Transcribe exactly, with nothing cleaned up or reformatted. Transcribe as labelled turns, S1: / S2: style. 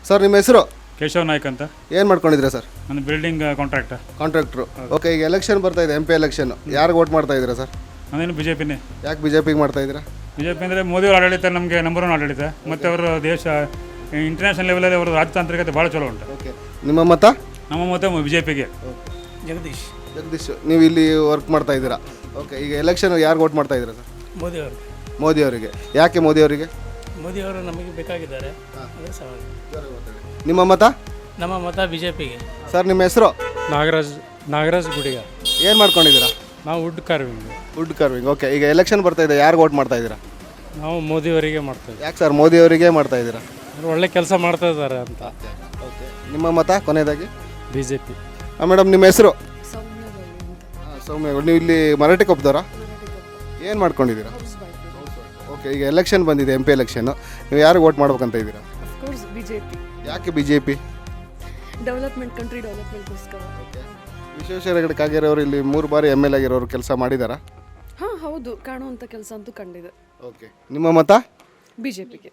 S1: Sir ನಿಮ್ಮ ಹೆಸರು?
S2: ಕೇಶವ್ ನಾಯ್ಕ್ ಅಂತ.
S1: ಏನು ಮಾಡ್ಕೊಂಡಿದ್ದೀರಾ ಸರ್?
S2: ನಾನು ಬಿಲ್ಡಿಂಗ್ ಕಾಂಟ್ರಾಕ್ಟರ್.
S1: ಕಾಂಟ್ರಾಕ್ಟ್ರು. ಓಕೆ, ಈಗ ಎಲೆಕ್ಷನ್ ಬರ್ತಾ ಇದೆ, ಎಂ ಪಿ ಎಲೆಕ್ಷನ್. ಯಾರಿಗೆ ವೋಟ್ ಮಾಡ್ತಾ ಇದ್ದೀರಾ ಸರ್?
S2: ನಾನೇನು ಬಿ ಜೆ ಪಿನೇ.
S1: ಯಾಕೆ ಬಿ ಜೆ ಪಿಗೆ ಮಾಡ್ತಾ ಇದ್ದೀರಾ?
S2: ಬಿ ಜೆ ಪಿ ಅಂದರೆ ಮೋದಿಯವ್ರ ಆಡಳಿತ ನಮಗೆ ನಂಬರ್ ಒನ್ ಆಡಳಿತ, ಮತ್ತು ಅವರು ದೇಶ ಇಂಟರ್ನ್ಯಾಷನಲ್ ಲೆವೆಲಲ್ಲಿ ಅವರು ರಾಜತಾಂತ್ರಿಕತೆ ಭಾಳ ಚಲೋ ಉಂಟು.
S1: ಓಕೆ, ನಿಮ್ಮ ಮತ?
S2: ನಮ್ಮ ಮತ ಬಿ ಜೆ ಪಿಗೆ.
S3: ಜಗದೀಶ್.
S1: ಜಗದೀಶ್, ನೀವು ಇಲ್ಲಿ ವರ್ಕ್ ಮಾಡ್ತಾ ಇದ್ದೀರಾ. ಓಕೆ, ಈಗ ಎಲೆಕ್ಷನ್ ಯಾರಿಗೆ ವೋಟ್ ಮಾಡ್ತಾ ಇದ್ದೀರಾ ಸರ್?
S3: ಮೋದಿ ಅವರು.
S1: ಮೋದಿ ಅವರಿಗೆ. ಯಾಕೆ ಮೋದಿ ಅವರಿಗೆ?
S3: ಮೋದಿ ಅವರು ನಮಗೆ ಬೇಕಾಗಿದ್ದಾರೆ. ಅದೇ ಸವಾಲು.
S1: ನಿಮ್ಮ ಮತ?
S3: ನಮ್ಮ ಮತ ಬಿ ಜೆ ಪಿಗೆ.
S1: ಸರ್ ನಿಮ್ಮ ಹೆಸರು?
S4: ನಾಗರಾಜ್ ನಾಗರಾಜ್ ಗುಡಿಗ.
S1: ಏನು ಮಾಡ್ಕೊಂಡಿದ್ದೀರಾ?
S4: ನಾವು wood carving.
S1: Wood carving. Okay, ಈಗ ಎಲೆಕ್ಷನ್ ಬರ್ತಾ ಇದೆ, ಯಾರಿಗೆ ವೋಟ್ ಮಾಡ್ತಾ ಇದ್ದೀರಾ?
S4: ನಾವು ಮೋದಿಯವರಿಗೆ ಮಾಡ್ತೇವೆ.
S1: ಯಾಕೆ ಸರ್ ಮೋದಿ ಅವರಿಗೆ ಮಾಡ್ತಾ ಇದ್ದೀರಾ?
S4: ಅವ್ರು ಒಳ್ಳೆ ಕೆಲಸ ಮಾಡ್ತಾ ಇದ್ದಾರೆ ಅಂತ.
S1: ಓಕೆ, ನಿಮ್ಮ ಮತ ಕೊನೆಯದಾಗಿ?
S4: B J P.
S1: ಹಾಂ ಮೇಡಮ್, ನಿಮ್ಮ ಹೆಸರು? ಹಾಂ, ಸೌಮ್ಯ. ನೀವು ಇಲ್ಲಿ ಮರಾಠಿ ಕೊಪ್ಪದವರಾ? ಏನು ಮಾಡ್ಕೊಂಡಿದ್ದೀರಾ? ಓಕೆ, ಈಗ ಎಲೆಕ್ಷನ್ ಬಂದಿದೆ, ಎಂ ಪಿ ಎಲೆಕ್ಷನ್ನು. ನೀವು ಯಾರಿಗೆ ವೋಟ್ ಮಾಡ್ಬೇಕಂತ ಇದ್ದೀರಾ?
S5: Of course BJP.
S1: ಯಾಕೆ B J P?
S5: Development, country ಡೆವಲಪ್ಮೆಂಟ್ಗೋಸ್ಕರ.
S1: ವಿಶ್ವೇಶ್ವರ ಹೆಗಡೆ ಕಾಗೇರಿಯವರು ಇಲ್ಲಿ ಮೂರು ಬಾರಿ ಎಮ್ ಎಲ್ ಆಗಿರೋರು ಕೆಲಸ ಮಾಡಿದಾರಾ?
S5: ಹಾಂ ಹೌದು, ಕಾಣುವಂಥ ಕೆಲಸ ಅಂತೂ ಕಂಡಿದೆ.
S1: ಓಕೆ, ನಿಮ್ಮ ಮತ?
S5: ಬಿಜೆಪಿಗೆ.